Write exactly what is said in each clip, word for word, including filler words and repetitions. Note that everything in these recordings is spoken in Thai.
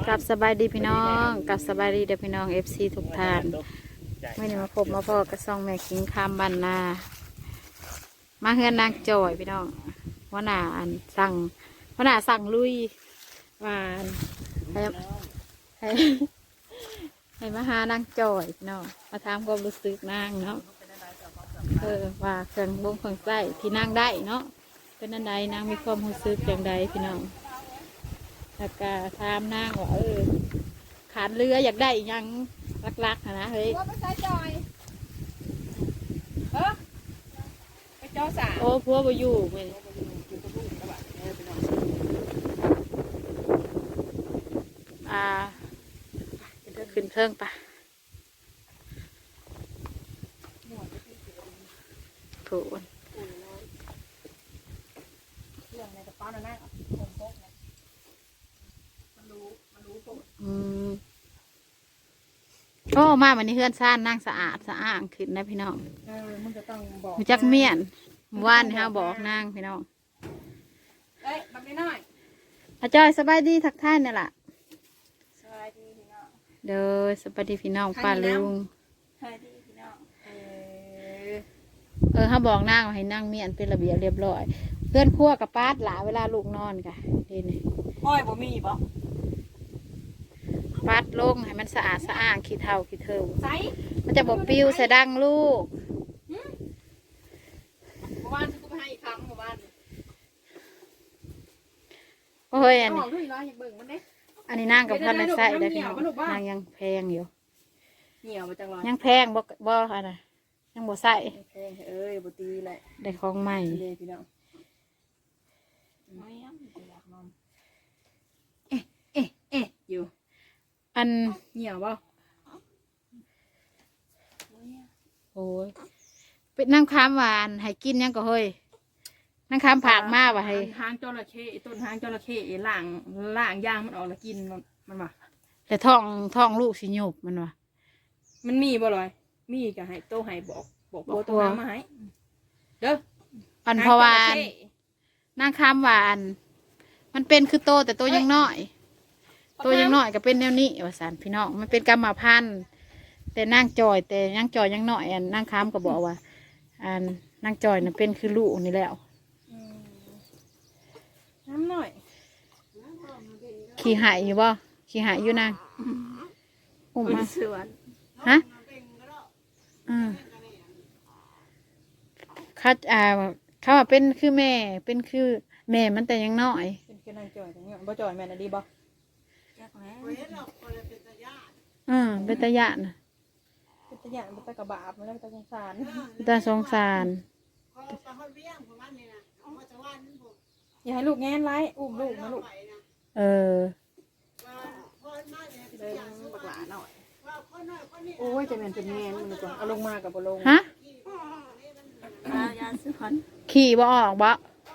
กับสบายดีพี่น้องกับสบายดีเด็กพี่น้องเอฟซีทุกท่านไม่ได้มาพบมาพอกระซองแม่คิงคามบันนามาเฮือนนางจอยพี่น้องว่าหนาอันสั่งว่าหนาสั่งลุยว่าให้ให้ให้มาหานางจอยพี่น้องมาถามความรู้สึกนางเนาะเออว่าเครื่องบงเครื่องใส้ที่นางได้เนาะเป็นอันใดนางมีความรู้สึกอย่างใดพี่น้องแล้วก็ถามนางว่าเออขาดเรืออยากได้ยังรักๆนะเฮ้ยไปใส่จอยเออไปเจ้าสาวโอ้พัวบ่อยู่เว้ยอ่าขึ้นเครื่องปะถูกเรื่องในกระเป๋านั่นน่ะผมพกนะมันรู้มันรู้ปุ๊บอืมโอ้มาวันนี้เฮือนซ่านนั่งสะอาดสะอ้างขึ้นนะพี่น้องเออมึงจะต้องบอกมีจักเมียนเมื่อวานนี่ฮะบอกนางพี่น้องเอ้ยบักน้อยอาจอยสบายดีทักทายนี่แหละสวัสดีพี่น้องเด้อสบายดีพี่น้องป้าลุงสวัสดีพี่น้องเออเออเขาบอกนางว่าให้นั่งเมียนเป็นระเบียบเรียบร้อยเพื่อนครั่วกับป้าดหลาเวลาลูกนอนกะดีนี่อ้อยบ่มีบ่ป้าดลงให้มันสะอาดสะอ้างขี้เท่าขี้เทิวใส่มันจะบอกปิ้วใส่ดังลูกเมื่อวานฉันก็ไปให้อีกครั้งเมื่อวานโอ้ยอันบนี้อกด้วยร้อยอยากเบิ่งมันเด้อันนี้นางกับพันในใส่ได้พี่น้องนางยังแพงอยู่เหนียวมาจังเลยยังแพงบ่บ่อะไรยังบ่ใส่แพงเอ้ยบ่ตีแหละได้ของใหม่เลยพี่น้องไม่ยังอยากนอนเอ๊ะเอ๊ะเอ๊ะอยู่อันเหนียวบ่โอ้ยเป็นนั่งค้ามหวานให้กินยังก็เฮ้ยนั่งค้ามผากมาว่ะให้หางจระเข้ต้นหางจระเข้ล่างล่างย่างมันออกแล้วกินมันมันว่ะแต่ท้องท้องลูกสิหยบมันว่ะมันมีบ่ลอยมีก็ให้โตให้บอกบอกบอกโตหางมาให้เด้ออันเพราะว่าหงจระเข้นั่งค้ามหวาน มันเป็นคือโตแต่โตยังน้อยโตยังน้อยก็เป็นแนวนี้ว่าสันพี่น้องมันเป็นกรรมพันธุ์แต่นั่งจอย แต่นั่งจอยยังน้อยอันนั่งค้ามก็บอกว่า อันนั่งจอยน่ะเป็นคือลูกนี่แล้วอืมน้ำหน่อยขี่หายอยู่บ่ขี่หายอยู่นางอุ้มมาสวนฮะอืมเขาอ่าเขาว่าเป็นคือแม่ เป็นคือแม่มันแต่ยังน้อยเป็นกำลังจ่อยจังเงี้ยบ่จ่อยแม่น่ะดีบ่อืมเป็นตาญาตินะเป็นตะหยานเป็นตะกระบาบมันแล้วเป็นตะสงสารเป็นตาสงสารอย่าให้ลูกแง้นไร้อุ้มลูกนะลูกเออเดินบักหลาหน่อยโอ้ยจะแม่นเป็นแง้นมันดีกว่าเอาลงมากับบ่ลงฮะยาซื้อพันขี่บ่ออกบ่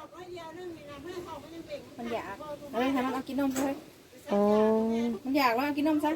มันอยากเฮ้ยให้มันเอากินนมเลยโอ้มันอยากว่ากินนมซะ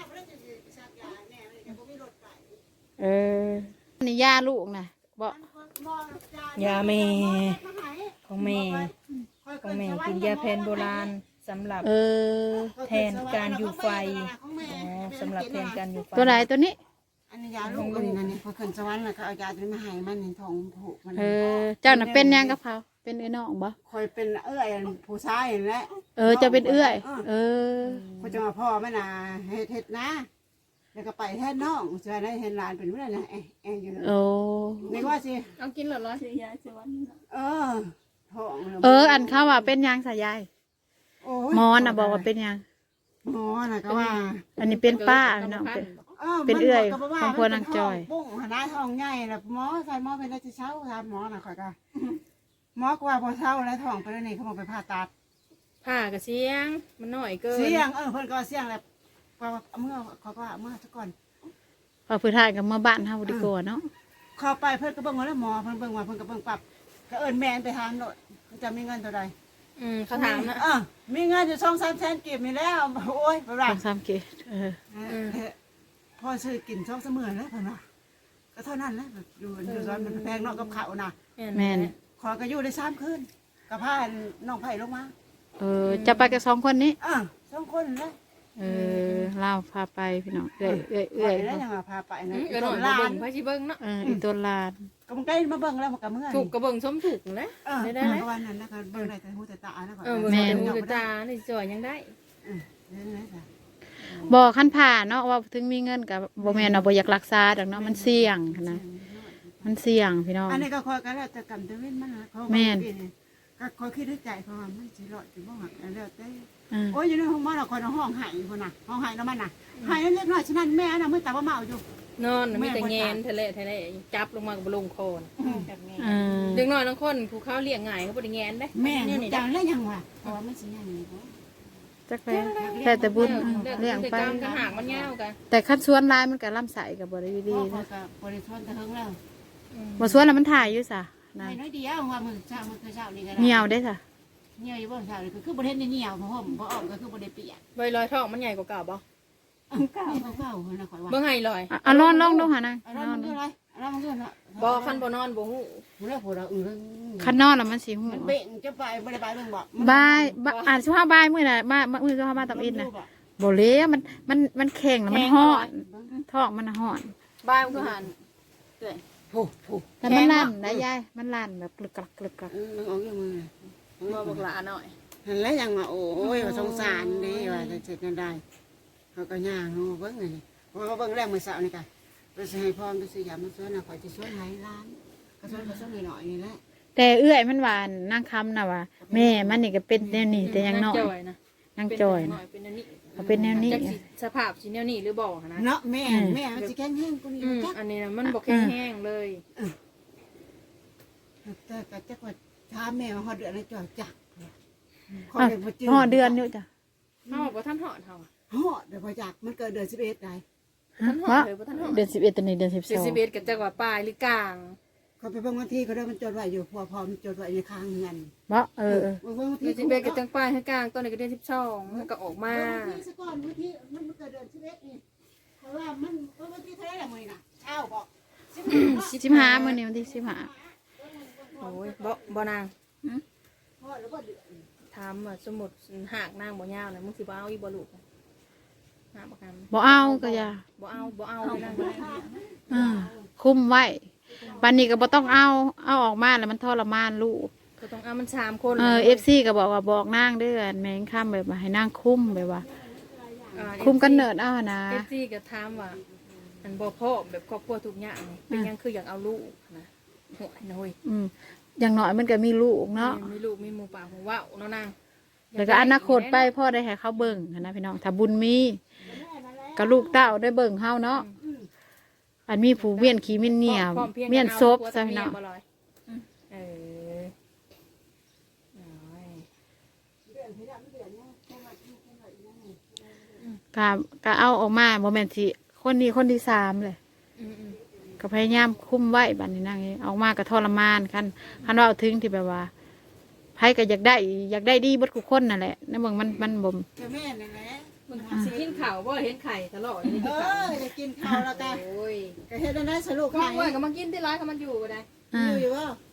เออนี่ย่าลูกนะบ่ยาแม่ของแม่ของแม่กินยาแผนโบราณสำหรับเออแทนการอยู่ไฟอ๋อสำหรับแทนการอยู่ไฟตัวไหนตัวนี้อันนี้ยาลูกอันนี้นั่นนี่พอขึ้นสวรรค์แล้วก็เอายาตัวนี้มาให้มันในท้องผูกมันเออ เจ้าน่ะเป็นยังกับเขาเป็นไอ้น้องบ่คอยเป็นเอื้อยผู้ชายนั่นแหละเออจะเป็นเอื้อย เออพอจะมาพ่อแม่นาเฮ็ดเฮ็ดนะแล้วก็ไปแทนน้องเจอได้เห็นหลานเป็นเมื่อนะเอ๊ะเอ๊ะอยู่โอ้นึกว่าสิเอากินเหรอร้อยยาสวรรค์เออท้องเออ อันเขาว่าเป็นยังสายยายโอ้หมอน่ะบอกว่าเป็นยังหมอน่ะก็ว่าอันนี้เป็นป้าพี่น้องเป็น เป็นเอื้อยของพวนางจอยปุ้งหน้าท้องใหญ่น่ะหมอใส่หมอเป็นได้จะเช้าถามหมอน่ะข่อยก็หมอก็ว่าพอเช้าแล้วท้องไปแล้วนี่เขาบอกไปผ่าตัดผ่ากระเสียงมันหน่อยเกินเสียงเออเพิ่นก็เสียงแล้วว่าเมื่อเขาก็ว่าเมื่อซะก่อนพอพื้นทายกับมาบ้านเฮาดีกว่าเนาะเข้าไปเพิ่นก็เบิ่งว่าแล้วหมอเพิ่นเบิ่งว่าเพิ่นก็เบิ่งปรับก็เอิ้นแม่นไปถามโลดมันจะมีเงินเท่าใดอืมเขาถามนะเออมีเงินอยู่สองสามแสนกีบนี่แล้วโอ้ยบ่ได้สองสามเกตเออพอซื้อกินสองเสมอแล้วเพิ่นว่าก็เท่านั้นแหละอยู่อยู่ร้อนมันแพงเนาะกับข้าวน่ะแม่นขอก็อยู่ได้สามคืนก็พาน้องไผลงมาเออ จะไปกับสองคนนี้อ่ะสองคนนะเอเออเล่าพาไปพี่น้องเอื้อยเอื้อยเอื้อยแล้วยังมาพาไปนะก็หน่อยมาเบิ่งพาสิเบิ่งเนาะเอออีตัวลานก็มันใกล้มาเบิ่งแล้วมันก็เมื่อยถูกกระเบิ่งสมถูกนะเออได้ได้ได้ได้วันนั้นนะคะเบิ่งได้แต่หูแต่ตานะก่อนเออเบิ่งแต่หูแต่ตานี่จ่อยยังได้เออได้ได้จ้ะบอกขั้นผ่าเนาะว่าถึงมีเงินกับบ่แม่นเอาบ่อยากรักษาดอกเนาะมันเสี่ยงนะมันเสี่ยงพี่น้องอันนี้ก็คอยกันแล้วจะกำตะเว้นมันนะเขาแม่นก็คอยคิดในใจเพราะว่ามันสิรอดสิบ่หักแล้วแต่เออโอ้ยอยู่ในห้องมันเราคอยในห้องหายคนน่ะห้องหายแล้วมันน่ะหายแล้วเล็กน้อยฉะนั้นแม่น่ะมือตาบ่เมาอยู่นอนมีแต่แงนทะเลทะเลจับลงมากับลงคอนเออเด็กน้อยทั้งคนผู้เขาเลี้ยงง่ายเขาบ่ได้แงนได้แม่เนี่ยนี่นี่จัได้งแล้วยังวะเพราะว่ามันสิยังนี่บ่จักไปแต่แต่บุญเลี้ยงไปกรรมกันหางมันยาวกันแต่ขั้นสวนลายมันก็ล่ำใสกับบ่ได้อยู่ดีพ่อนะก็บริทนตะเฮิงแล้วบ่สวนแล้วมันถ่ายอยู่ซะนะให้น้อยเดียวว่ามือเช้ามือเช้านี่ก็ได้เหี่ยวได้ซะเหี่ยวอยู่บ่เช้านี่คือบ่เห็นเหี่ยวเพราะผมบ่ออกก็คือบ่ได้เปียกใบลอยทองมันใหญ่กว่าเก่าบ่เก่าเก่าคนน่ะข่อยว่าเบิ่งให้ลอยอ่ะเอาลองลองดูหานะอันนั้นมันคืออะไรอันนั้นมันคือเนาะบ่คันบ่นอนบ่ฮู้มันแล้วพวกเราอือคันนอนแล้วมันสิหูมันเบ่งจะไปบ่ได้ไปเบิ่งบ่บายบายอ่านสุภาพบายมื้อน่ะมามื้อสุภาพบ้านตับอินน่ะบ่เลยมันมันมันแข็งแล้วมันฮ้อนท้องมันฮ้อนบ้านมันก็หันเอ้ยโอ้โหแล้วมันลั่นนะยายมันลั่นแบบกลึกกลักกลึกกลักอือมันออกอยู่มือบ่บักหลาหน่อยนั่นแหละยังว่าโอ้ยว่าสงสารเด้ว่าจะเสร็จกันได้เขาก็ย่างเนาะเบิ่งนี่เพราะว่าเบิ่งแรกมื้อเช้านี่ก็ไปสิให้พรไปซื้อยามาซื้อน่ะข่อยสิช่วยให้ร้านก็ช่วยก็ช่วยหน่อยๆนี่แหละแต่เอื้อยมันหวานนางคำน่ะว่าแม่มันนี่ก็เป็นแนวนี้แต่ยังน้อยจอยนะนางจอยหน่น่ะอยเป็นอันนี้เอาเป็นแนวนี้จักสิสภาพสิแนวนี้หรือบ่นะเนาะแม่แม่มันสิแข็งแห้งกว่านี้อืมจักอันนี้นะมันบ่แข็งแห้งเลยแต่ก็จักว่าถามแม่ว่าฮอดเดือนแล้วจ่อยจักอ่ะห่อเดือนอยู่จ้ะเฮาบ่ทันหอดเฮาฮอดเดี๋ยวบ่จักมันเกิดเดือนสิบเอ็ดได้บ่ทันหอดเลยบ่ทันหอดเดือนสิบเอ็ดตอนนี้เดือนสิบสเดือนองสิบเอ็ดก็จักว่าปลายหรือกลางเขาไปเบิ่งวันที่เขาได้มันจดไว้อยู่พอพอมันจดไว้ในค้างเงินบ่เออเออเบิ่งวันเดืที่อนสิบเอ็ดก็จังปลายให้กลางตอนนี้ก็เดือนสิบสองมันก็ออกมาวันที่ซะก่อนวันที่มันเกิดเดือนสิบเอ็ดนี่เพราะว่ามันวันที่เท่าไหร่ละมื้อน่ะเช้าบอกสิบห้ามื้อนี้วันที่สิบห้าโอ้ยบ่บ่นางฮอดแล้วบ่เดือนถามว่าสมมุติหากนางบ่ยาวน่ะมึงสิบ่เอาอีบ่ลูกหาบ่กันบ่เอาก็อย่าบ่เอาบ่เอาเลยนางบ่ได้อ่าคุมไว้ปันนี้ก็บ่ต้องเอาเอาออกมาแล้วมันทรมานลูกก็ต้องเอามันสามคนเออ เอฟ ซี ก็บอกว่าบอกนางเด้อแม่งค่ำแบบว่าให้นางคุมแบบว่า คุมกันเนิดเอาหั่นนะเอฟซีก็ถามว่าอันบ่พ่อแบบครอบครัวทุกอย่างนี่เป็นหยังคืออยากเอาลูกนะหัวน้อยอืมอย่างน้อยมันก็มีลูกเนาะมีลูกมีหมู่ป่าของว่าวเนาะนางแล้วก็อนาคตไปพ่อได้ให้เขาเบิ่งหั้นนะพี่น้องถ้าบุญมีก็ลูกเต้าได้เบิ่งเฮาเนาะอันมีผู้เวียนขี้เมียนเหนียวพร้อพีงเมียนกัซบอาซะพี่น้องผัวกับเมียบ่ลอยเออน้อยก็ก็เอาออกมาบ่แม่นสิคนนี้คนที่สามเลยอืมอืมก็พยายามคุมไว้บัดนี้นางเอ้ยออกมาก็ทรมานคันคันว่าเอาถึงที่แบบว่าไผก็อยากได้อยากได้ดีเบิดทุกคนนั่นแหละในเมืองมันมันบ่มก็แม่นั่นแหละมึงสิกินข้าวบ่เห็นไข่ตลอดนี่เอกินข้าวอจะกินข้าวแล้วก็โอ้ยก็เฮ็ดได้สรุปก็ให้ว่างๆก็มากินที่ร้านก็มันอยู่บ่ได้อ่าอยู่อยู่บ่ฮะ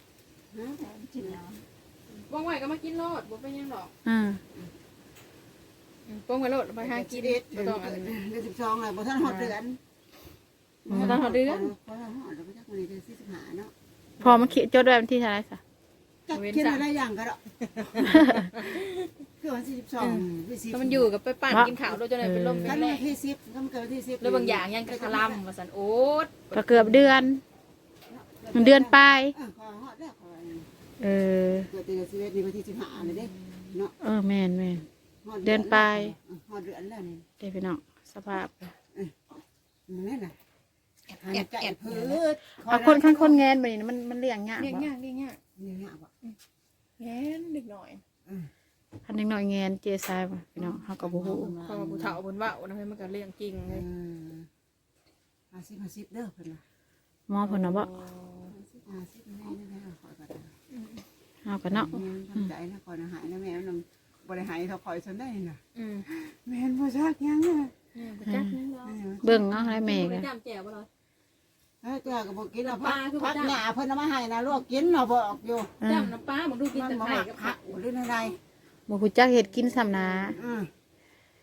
ว่างๆก็มากินโลดบ่เป็นหยังดอกอ่าอืมป้องไว้โลดไปหากินเดือนบ่ต้องอันนั้นเดือนสิบสองเลยบ่ทันฮอดเดือนบ่ต้องหาเดือนพอเราฮอดแล้วก็จักมื้อนี้เดือนสี่สิบห้าเนาะพอมันคิดจดไว้วันที่เท่าไหร่ซะจักคิดอะไรอย่างก็ดอกคือวันที่สิบสองที่สิบก็มันอยู่กับไปปั่นกินข้าวโดยจนได้เป็นลมเป็กันนแรวันงที่สิบก็มันเกิดวันที่สิบแล้วบางอย่างยังกระลำว่าสันโอ๊ตก็เกือบเดือน เดือนปลายเออขอฮอดแล้วขอเออเกิดเดือนสิบเอ็ดนี่วันที่สิบห้าเลยเด้เนาะเออแม่นแม่นฮอดเดือนปลายฮอดเดือนแล้วนี่ได้พี่น้องสภาพมันนั่นน่ะหันใจพืชเอาคนข้างคนแงนไปนี่มันมันเลี้ยงยากเรียกบ่ยากเรียกยากนี่ยากบ่แง่นเด็กหน่อยคันเด็กน้อยแงนเจซายบ่พี่น้องเฮาก็บ่ฮู้พอมาผู้เฒ่าบนว่าวนะให้มันก็เลี้ยงจริงเอเลยอห้าสิบห้าสิบเด้อเพิ่นน่ะหมอเพิ่นน่ะบ่ห้าสิบห้าสิบแม่นี่นะขอยก็ได้เฮาก็เนาะทำใจนะขอยนะหายนะแม่นำบ่ได้หายเท่าขอยซนได้น่ะอืมแม่นบ่ซักยังอ่ะเนี่ยไปจับนี่เนาะเบิ่งเอาให้แม่ไปก็จำแจ่วบ่เลยเฮ้ยเจ้าก็บ่กินแล้วพักพักหน้าเพิ่นเอามาให้นะลวกกินเนาะบอกอยู่เออจำน้ำปลามึงดูกินมันแต่บ่ไข่มักกับผัผักกหรืออะไรบ่ฮู้จักเฮ็ดกินซ้ำนะอือ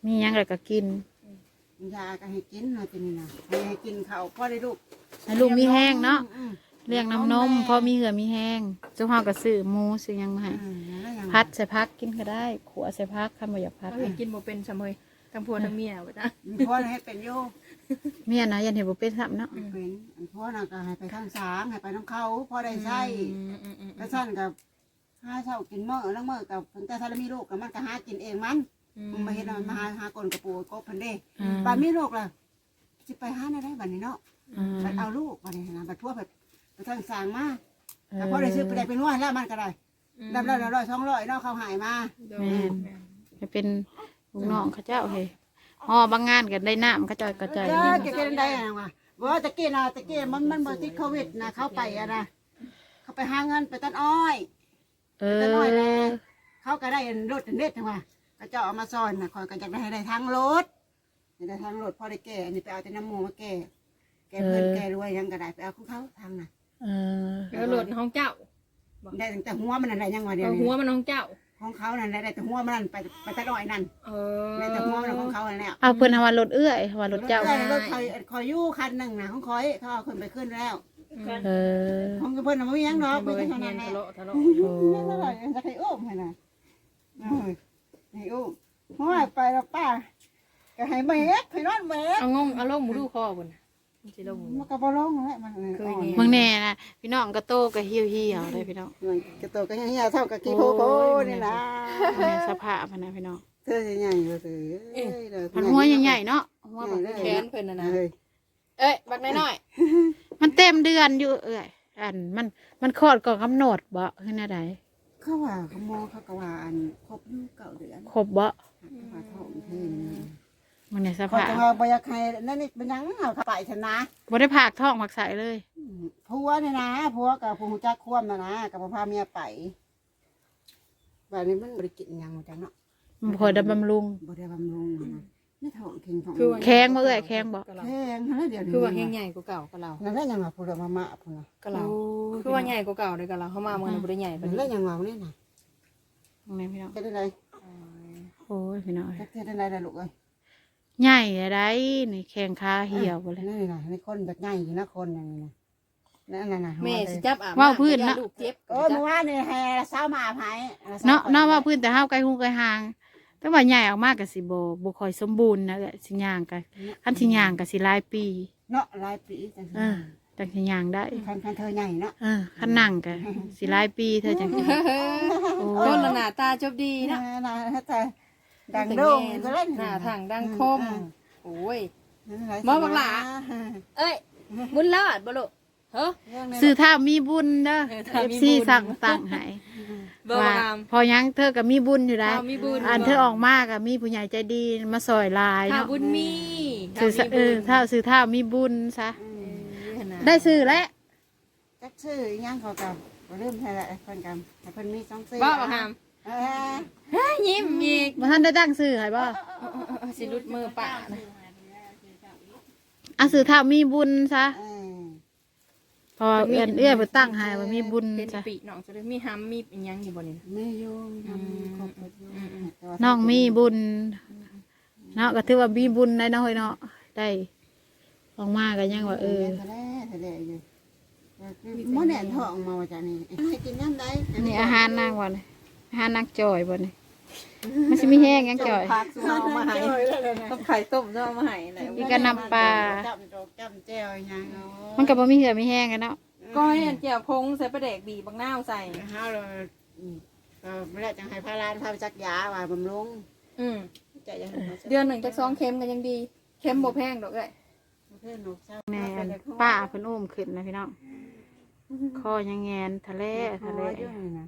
มีหยังอะไรก็กินยาก็ให้กินเนาะทีนี้นะให้กินข้าวพอได้ลูกให้ลูกมีแห้งเนาะอืมเลี้ยงน้ำนมพอมีเหือมีแห้งเจ้าเฮาก็ซื้อหมูซื้อหยังมาให้อืมแล้วยังพัดใส่พักกินก็ได้ขัวใส่พักคันบ่อยากพัดก็เห็นกินบ่เป็นซะเมยทั้งผัวทั้งเมียว่าจ้ะพ่อให้เป็นโยเมียนะยันเห็นบ่เป็นซ้ำเนาะเป็นพ่อน่ะก็ให้ไปทางสางให้ไปน้ำเขาพ่อได้ใช้อืมอืมอืมกระชั้นกับหาเช้ากินมื้อแล้วมื้อกับถึงแต่ถ้ามีลูกกับมันก็หากินเองมันมันมาเห็นมันมาหาหากลกระปูกบพันเด้อืมบัดมีลูกล่ะสิไปหาได้บัดนี้เนาะอืมบัดเอาลูกบัดนี้นะบัดทั่วไปไปทางสางมาแต่พ่อได้ซื้อไปได้เป็นว่าแล้วมันก็ได้ดับแล้วร้อยสองร้อยเนาะเขาหายมาแม่นให้เป็นลูกน้องเขาเจ้าเฮ้ยฮอบางงานก็ได้น้ำเขาเจ้าก็ใจเอนี่อจะกินได้ยังวะว่าตะกี้นะตะกี้มันมันบ่ติดโควิดนะเขาไปอะนะเขาไปหาเงินไปตัดอ้อยเอตัดอ้อยแลอเขาก็ได้รถเด็ดจังว่าเขาเจ้าเอามาซ่อนนะคอยก็จะได้ได้ทางรถได้ทางรถพอได้แก่อันนี้ไปเอาแต่น้ำหมูมาแก่แก่เพื่อนแก่รวยยังก็ได้ไปเอาของเขาทางน่ะเออแล้วโหลดห้องเจ้าได้ตั้งแต่หัวมันนั่นแหละยังว่าเดียวเอาหัวมันห้องเจ้าของเขานั่นได้แต่หัวมันนั่นไปไปตัดอ้อยนั่นเออได้แต่หัวมันของเขานั่นแหละเอาเพิ่นเอาว่ารถเอื้อยว่ารถเจ้ารถคอยคอยยู่คันหนึ่งนะของคอยเขาเอาขึ้นไปขึ้นแล้วเออของเพื่อนน่ะไม่มีหยังดอกบ่ไม่เห็ใช่นเท่านั้นแหละทะเลาะทะเลาะโอ้ยเท่าไหร่จะให้อุ้มให้น่ะเอ้ยให้อุ้มห้อยไปแล้วป้าก็ให้เมฆให้นอนเมฆเอางงเอาลงหมูดูคอบ่น่ะมันสิลงหมูมันก็บ่ลงแหละมันเคยเห็นเมืองแน่นะพี่น้องก็โตก็เหี่ยวเหี่ยวๆเลยพี่น้องมันกระโตกก็เหี่ยวเท่ากับกี่โพโพนี่ล่ะแม่สภาพอะนะพี่น้องเธอใหญ่ๆเลยเอ้ยเด้อมันหัวใหญ่ๆเนาะหัวแบบแขนเพิ่นน่ะนะเอ้ยเอ้ยบักน้อยมันเต็มเดือนอยู่เอ้ยอันมันมันคลอดก่อนกำหนดบ่คือแนวใดเขาว่าเขาโมเขาก็ว่าอันครบอยู่เก้าเดือนครบบ่ว่าท้องเพิ่นมันในสเขาภาพจะว่าบ่อยากให้นั่นนี่เป็นหยังเอาเข้าไปชนะบ่ได้ผากท้องมักใส่เลยผัวเนี่ยนะผัวกับผู้หูจักควมนะนะกับพาเมียไปแบบนี้มันบริกินหยังหมดจังเนาะมันบ่คอยได้บำรุงบริบำรุงนะนี่ท้องเค็งท้องคือว่าแข็งบ่เอ้ยแข็งบ่แข็งนั่นเดียวนี้คือว่าแห้งใหญ่กว่าเก่ากับเรานั่นแหละยังว่าผู้เรือมามาผู้น่ะกับเราคือว่าใหญ่กว่าเก่าเลยกับเราเข้ามาเมืองบ่ได้ใหญ่ปานนั่นนี้แหละยังว่าเนี่ยนะตรงนี้พี่น้องจะได้ไรโอ้ยพี่น้องจะได้ไรล่ะลูกเอ้ยใหญ่อะไรนี่แข้งขาเหี่ยวบ่เลยนี่นะนี่คนแบบง่ายอยู่นะคนอย่างนี้นะนั่นน่ะนะแม่สิจับอาบว่าวพื้นนะลูกเจ็บโอ้เมื่อวานนี่แห่เช้ามาภายเนาะเนาะว่าพื้นแต่ห้าวไกลหูไกลห่าง แต่ว่าใหญ่ออกมากก็สิบ่บ่ค่อยสมบูรณ์นะเอ้ยสิย่างก็คันสิย่างก็สิหลายปีเนาะหลายปีจังเออจังสิย่างได้คันคันเธอใหญ่เนาะเออคันนั่งก็สิหลายปีเธอจังสิโอ้คนละหน้าตาจบดีนะนะนะแต่ดังโด่งก็เล่นหน้าทางดังคมโอ้ยมองบังหลาเอ้ยบุญรอดบ่ลูกเฮ้อสื่อถ้ามีบุญเด้อเออถ้ามีเอฟบุญซีสั่งสั่งให้บ่ว่างามพอยังเธอก็มีบุญอยู่ได้ถ้ามีบุญอ่านเธอออกมากก็มีผู้ใหญ่ใจดีมาซอยหลายถ้าเนาะบุญมีสื่อถ้ามีเอบุอญถ้าสื่อถ้ามีบุญซะเออน่ะได้สื่อแล้วจักชื่อยังเขากับเริ่มใช่ละเพิ่นกันเพิ่นมีสองชื่อบ่บ่งามเออเฮ้ยยิ้มอีกบ่ท่านได้ตั้งสื่อให้บ่สิรุดมือป่านะอ่ะสื่อถ้ามีบุญซะเออพอเอื้อนเอื้อไปตั้งให้ว่ามีบุญเป็นซะปีน้องจะได้มีหำมีอิหยังอยู่บ่นี่นะไม่ยุ่งทำครบหมดยุ่งน้องมีบุญเนาะก็ถือว่ามีบุญได้เนาะเฮ้ยเนาะได้ออกมาก็ยังว่าเออทะเลทะเลอยู่มื้อแหนทองมาว่าจ้ะนี่ให้กินน้ำได้อันนี้อาหารนางบ่นี่อาหารนางจอยบ่นี่มันสิมีแห้งยังจอยผักเอามาให้กับไข่ต้มเอามาให้แหละอีกก็นำปลาจับจกจับแจ่วยังมันก็บ่มีเหือมีแห้งกันเนาะก้อยอันเจียวพงใส่ปลาแดกบีบางนาวใส่เฮาเราก็ไม่ได้จังให้พาลานพาไปจักยาว่าบำรุงอืมจะยังเดือนหนึ่งจากสองเค็มกันยังดีเค็มบ่แพงดอกเอ้ยเพื่อนหนูเศร้าแม่นป้าเพิ่นอุ้มขึ้นนะพี่น้องคอยังแงนทะเลทะเลอยู่นี่นะ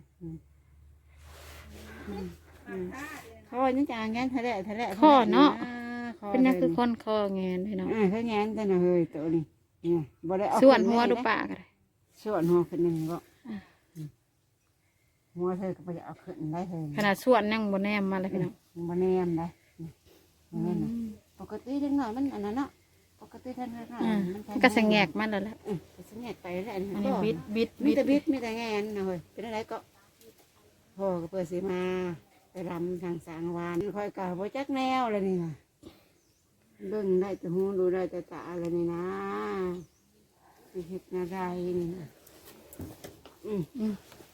เขาว่านี่จะงานทะเลทะเลเป็นนักคือคนคอแงนพี่น้องอ่าเขางานแต่น่ะเฮ้ยตัวนี้เนี่ยบ่ได้เอาส่วนหัวดูปากก็ได้ส่วนหัวขึ้นนี่บ่หัวเธอก็ไปเอาขึ้นได้เธอขนาดส่วนยังบ่แนมมาเลยพี่น้องบ่แนมได้นี่นะปกติเด็กน้อยมันอันนั้นเนาะปกติท่านน้อยอ่ามันก็สะแงกมันแล้วแหละอือสะแงกไปแล้วอันอันนี้นี้บิดบิดมีบิดแต่บิดมีแต่แงนนะเฮ้ยเป็นอะไรก็พ่อก็เปิดสีมาไปรำทางสางวานคอยกะบ่จักแนวเลยนี่นะเบิ่งได้แต่หูดูได้แต่ตาอะไรนี่นะไปเฮ็ดนาได้นี่นะอืมอืม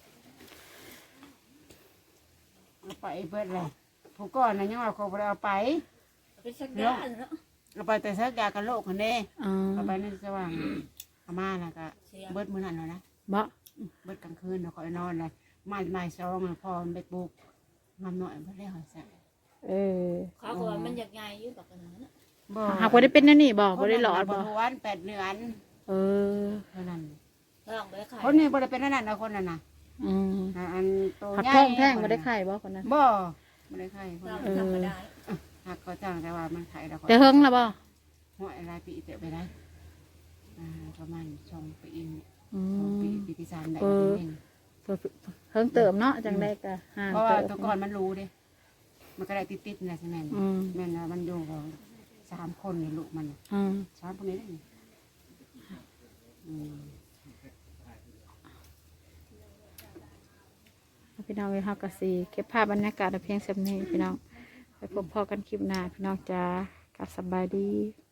เอาไปเบิดเลยผู้ก่อนนะยังว่าเขาบ่ได้เอาไปไปสักยาเนาะเอาไปแต่สักยากันโรคคนเด้อ๋อเอาไปนั่นสว่างอาม่าน่ะก็เบิดมื้อนั้นแล้วนะบ่อืมเบิดกลางคืนเนาะคอยนอนเลยไม่ไม่ซองน่ะพอมันไปปลูกมันหน่อยบ่ได้หอยใส่เออเขาบอกว่ามันอยากใหญ่อยู่แบบนั้นนะบ่หากบ่ได้เป็นนั่นนี่บ่บ่ได้หลอดบ่บ่ทวนแปดเดือนเออเท่านั้นลองไปขายคนนี้บ่ได้เป็นนั่นน่ะนะคนนั้นน่ะอืมอ่าอันโตหักใหญ่ท้องแท่งบ่ได้ไข่บ่คนนั้นบ่บ่ได้ไข่คนลองนั้นไปทำมาได้หักก็จ้างแต่ว่ามันไข่แล้วก็แต่เฮิงแล้วบ่หัวอะไรปีเตะไปได้อ่าประมาณสองปีนี่อืสองมปีปีที่สามได้เออเองเฮิงเติมเนาะจังได้ก็ห่างเพราะว่าเติตัวมก่อนมันรู้เด้มันก็ได้ติดๆนะใช่ไหมอืมแม่นว่ามันอยู่กับสามคนนี่ลูกมันน่ะอืมสามคนนี้ได้นี่อืมพี่น้องเอ้ยเฮาก็สิเก็บภาพบรรยากาศเอาเพียงสำนี้พี่น้องไปพบพอกันคลิปหน้าพี่น้องจ้ากับสบายดี